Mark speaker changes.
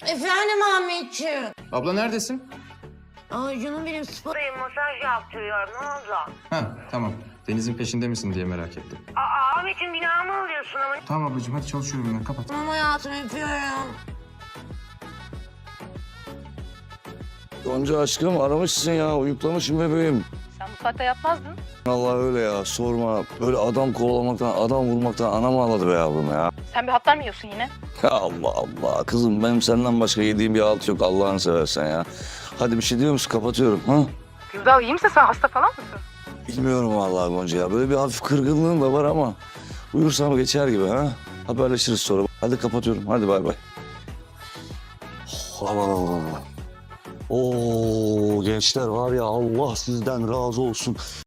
Speaker 1: Efendim Ahmetciğim.
Speaker 2: Abla neredesin?
Speaker 1: Ay canım benim spora masaj yaptırıyorum. Ne oldu?
Speaker 2: Ha tamam. Deniz'in peşinde misin diye merak ettim.
Speaker 1: Ahmetciğim günahımı alıyorsun ama.
Speaker 2: Tamam ablacığım hadi çalışıyorum ben kapat.
Speaker 1: Tamam hayatım öpüyorum.
Speaker 3: Gonca aşkım aramışsın ya, uyuklamışım bebeğim.
Speaker 4: Sen bu saatte yatmazdın.
Speaker 3: Allah öyle ya, sorma. Böyle adam kovalamaktan, adam vurmaktan anam ağladı be yavrum ya.
Speaker 4: Sen bir hatlar mı yiyorsun yine?
Speaker 3: Allah Allah, kızım benim senden başka yediğim bir alt yok Allah'ını seversen ya. Hadi bir şey diyor musun? Kapatıyorum ha?
Speaker 4: Gürdal iyi misin sen? Hasta falan mısın?
Speaker 3: Bilmiyorum vallahi Gonca ya. Böyle bir hafif kırgınlığım da var ama uyursam geçer gibi ha. Haberleşiriz sonra. Hadi kapatıyorum. Hadi bay bay. Aman aman. Oo gençler var ya Allah sizden razı olsun.